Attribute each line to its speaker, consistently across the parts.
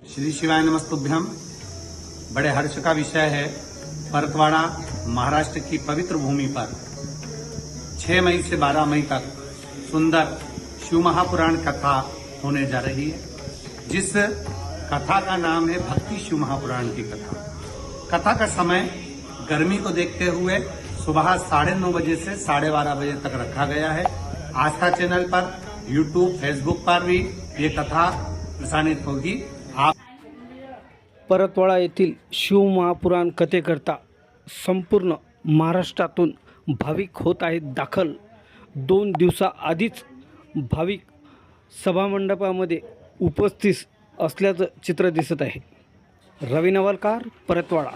Speaker 1: श्री शिवाय नमस्तुभ्यम। बड़े हर्ष का विषय है, परतवाड़ा महाराष्ट्र की पवित्र भूमि पर 6 मई से 12 मई तक सुंदर शिव महापुराण कथा होने जा रही है, जिस कथा का नाम है भक्ति शिव महापुराण की कथा। कथा का समय गर्मी को देखते हुए सुबह 9:30 बजे से 12:30 बजे तक रखा गया है। आस्था चैनल पर, यूट्यूब, फेसबुक पर भी ये कथा प्रसारित होगी। आप
Speaker 2: परतवाड़ा येथील शिव महापुराण कथेकरता संपूर्ण महाराष्ट्रातून भाविक होत आहेत दाखल। 2 दिवसाआधीच भाविक सभामंडपामध्ये उपस्थित असल्याचं चित्र दिसत आहे। रवी नवलकार, परतवाड़ा।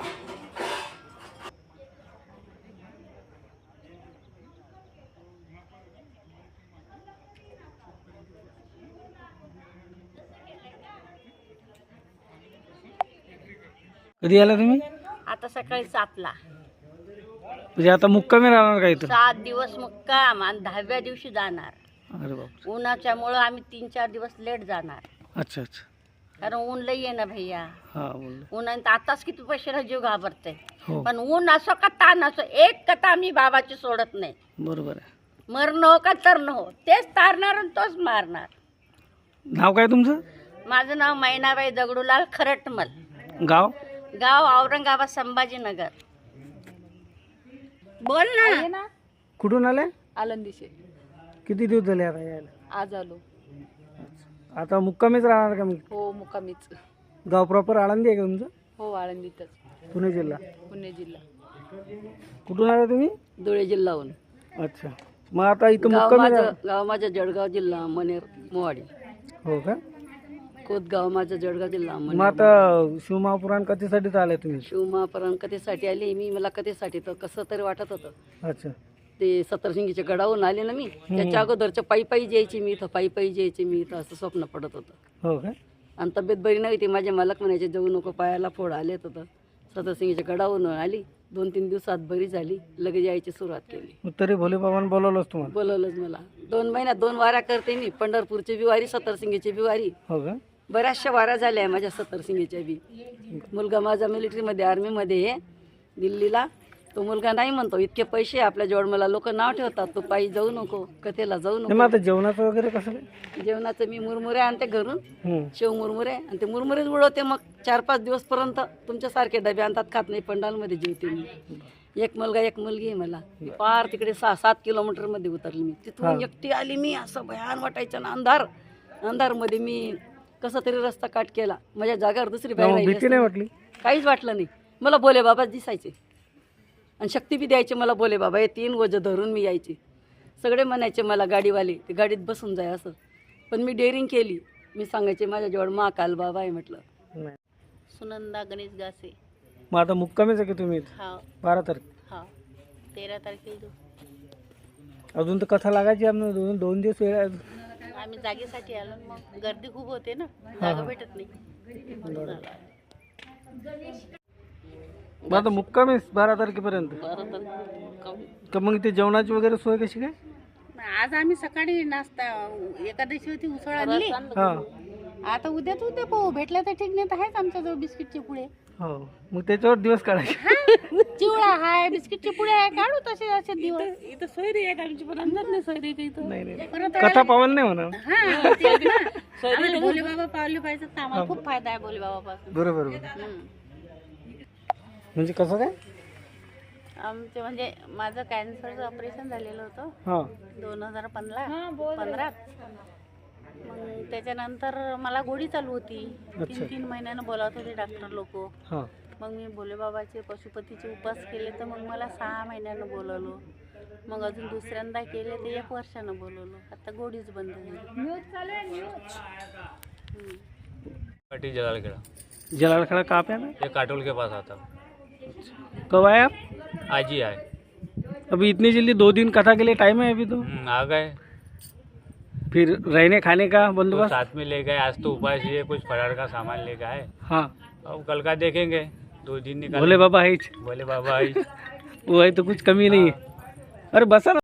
Speaker 2: कधी आला तुम्ही?
Speaker 3: आता सकाळी 7ला।
Speaker 2: म्हणजे आता मुक्कामी राहणार का इथं?
Speaker 3: 7 दिवस मुक्काम आणि 10व्या दिवशी जाणार।
Speaker 2: अरे बाप,
Speaker 3: उन्हाच्यामुळं आम्ही 3-4 दिवस लेट जाणार,
Speaker 2: अच्छा अच्छा,
Speaker 3: कारण ऊन लई आहे ना भैया।
Speaker 2: हा बोल।
Speaker 3: उन्हात आताच किती पैशाला जीव घाबरते,
Speaker 2: हो
Speaker 3: पण ऊन असो का ताण असो, एक कथा आम्ही बाबाची सोडत नाही।
Speaker 2: बरोबर आहे।
Speaker 3: मरण हो का तरण हो, तेच तारणार आणि तोच मारणार।
Speaker 2: नाव काय तुमचं?
Speaker 3: माझं नाव मैनाबाई दगडूलाल खरटमल,
Speaker 2: गाव?
Speaker 3: गाव औरंगाबाद संभाजीनगर। बोल ना।
Speaker 2: कुठून आले?
Speaker 4: आळंदीचे
Speaker 2: किती दिवस झाले आता यायला?
Speaker 4: आज आलो।
Speaker 2: आता मुक्कामीच राहणार का मग?
Speaker 4: हो मुक्कामीच।
Speaker 2: गाव प्रॉपर आळंदी आहे का तुमचं?
Speaker 4: हो आळंदीतच,
Speaker 2: पुणे जिल्हा।
Speaker 4: पुणे जिल्हा।
Speaker 2: कुठून आले तुम्ही?
Speaker 4: धुळे जिल्हाहून।
Speaker 2: अच्छा, मग आता इथं मुक्कामी
Speaker 4: गाव माझं जळगाव जिल्हा मनेर मोवाडी।
Speaker 2: हो का?
Speaker 4: कोतगाव माझं जळगाव जिल्हा
Speaker 2: मग
Speaker 4: मनेर।
Speaker 2: आता शिव महापुराण कथेसाठीच आले तुम्ही?
Speaker 4: शिवमहापुराण कथेसाठी आली मी। मला कथेसाठी तर कसं तरी वाटत होतं।
Speaker 2: अच्छा,
Speaker 4: ते सतरसिंगीच्या गडावरून आले ना मी, त्याच्या अगोदरच्या पायी जायची मी इथं, पायी जायची मी इथं, असं स्वप्न पडत होतं।
Speaker 2: हो का?
Speaker 4: आणि तब्येत बरी नव्हती, माझे मालक म्हणायचे जाऊ नको, पायाला फोड आलेत होतं। सतरसिंगीच्या गडावरून आली, 2-3 दिवसात बरी झाली, लगेच यायची सुरुवात केली।
Speaker 2: मग तरी भोले बाबांनी बोलवलंच तुम्हाला?
Speaker 4: बोलवलंच मला। 2 महिन्यात 2 वाऱ्या करते मी, पंढरपूरची बी वारी, सतरसिंगीची बी वारी।
Speaker 2: हो का?
Speaker 4: बऱ्याचशा वाऱ्या झाल्या आहे माझ्या सतरसिंगीच्या बी। मुलगा माझा मिलिटरीमध्ये, आर्मीमध्ये आहे दिल्लीला। तो मुलगा नाही म्हणतो, इतके पैसे आपल्याजवळ, मला लोक नाव ठेवतात, तू पायी जाऊ नको, कथेला जाऊ
Speaker 2: नाही, मग
Speaker 4: नको।
Speaker 2: आता जेवणाचं वगैरे कसं काय?
Speaker 4: जेवणाचं मी मुरमुरे आणते घरून,
Speaker 2: हम्म.
Speaker 4: शेव मुरमुरे, आणि ते मुरमुरेच उडवते। मग 4-5 दिवसपर्यंत तुमच्यासारखे डबे आणतात, खात नाही, पंडालमध्ये जेवते मी। एक मुलगा एक मुलगी आहे मला। पार तिकडे 6-7 किलोमीटरमध्ये उतरली मी, तिथून एकटी आली मी। असं भयान वाटायचं ना, अंधारमध्ये मी कसं तरी रस्ता काट केला। माझ्या जागेवर दुसरी बाई राहिली
Speaker 2: भीती नाही
Speaker 4: असती,
Speaker 2: वाटली?
Speaker 4: काहीच वाटलं नाही मला। भोले बाबाच दिसायचे आणि शक्ती बी द्यायचे मला भोले बाबा। हे 3 वजं धरून मी यायचे। सगळे म्हणायचे मला गाडीवाले, ते गाडीत बसून जाय असं, पण मी डेअरिंग केली। मी सांगायचे माझ्याजवळ महाकाल बाबा आहे म्हटलं।
Speaker 2: नाही।
Speaker 3: सुनंदा गणेश गासे।
Speaker 2: मग आता मुक्कामीच आहे की तुम्ही?
Speaker 3: हा
Speaker 2: 12 तारीख।
Speaker 3: हा 13 तारखेला
Speaker 2: अजून तर कथा लागायची आपल्याला, 2 दिवस वेळ आहे.
Speaker 3: आम्ही जागेसाठी आलो, मग गर्दी खूप होते ना, जागा भेटत नाही।
Speaker 2: मग आता मुक्कामीच 12 तारखेपर्यंत?
Speaker 3: 12 तारखेला
Speaker 2: का मग इथे जेवणाची वगैरे सोय कशी काय?
Speaker 3: आज आम्ही सकाळी नाश्ता, एकादशी होती, उसळ आणली।
Speaker 2: हा,
Speaker 3: आता उद्या पाहू, भेटल्या तर ठीक, नाही तर आहेच आमच्याजवळ बिस्किटचे पुडे।
Speaker 2: हो, मग त्याच्यावर दिवस काढायचे.
Speaker 3: चिवडा आहे, बिस्किटचे पुडे आहे, काढू तसे असे दिवस। इथं सोयरी आहे आमची, पण अंदाज नाही सोयरी का इथं।
Speaker 2: नाही,
Speaker 3: परत
Speaker 2: कथा पावन नाही म्हणा।
Speaker 3: हा तेच ना, आम्हाला भोले बाबा पावले पाहिजे, तर आम्हाला खूप फायदा आहे भोले बाबापासून।
Speaker 2: बरोबर. म्हणजे कसं काय?
Speaker 3: आमचे म्हणजे माझं कॅन्सरचं ऑपरेशन झालेलं होतं
Speaker 2: हा
Speaker 3: 2015 मग त्याच्यानंतर मला गोळी चालू होती। 3-3 महिन्यानं बोलावत होते डॉक्टर लोक।
Speaker 2: हा,
Speaker 3: मग मी भोले बाबाचे पशुपतीचे उपास केले, तर मग मला 6 महिन्यानं बोलवलं। मग अजून दुसऱ्यांदा केले ते 1 वर्षानं बोलवलं। आता गोळीच बंद झाली।
Speaker 5: पार्टी जलालखेड़ा,
Speaker 2: जलालखेड़ा कहाँ पे आना?
Speaker 5: ये काटोल के पास आता।
Speaker 2: कब आए आप?
Speaker 5: आज ही आए।
Speaker 2: अभी इतनी जल्दी? 2 दिन कथा के लिए टाइम है अभी तो।
Speaker 5: आ गए,
Speaker 2: फिर रहने खाने का
Speaker 5: तो
Speaker 2: बंदोबस्त?
Speaker 5: साथ में ले गए। आज तो उपास ही है, कुछ फरार का सामान ले गए।
Speaker 2: हाँ,
Speaker 5: अब कल का देखेंगे, 2 दिन निकाल।
Speaker 2: भोले बाबा है,
Speaker 5: भोले बाबा आई।
Speaker 2: वो है तो कुछ कमी नहीं है। अरे बसा ना।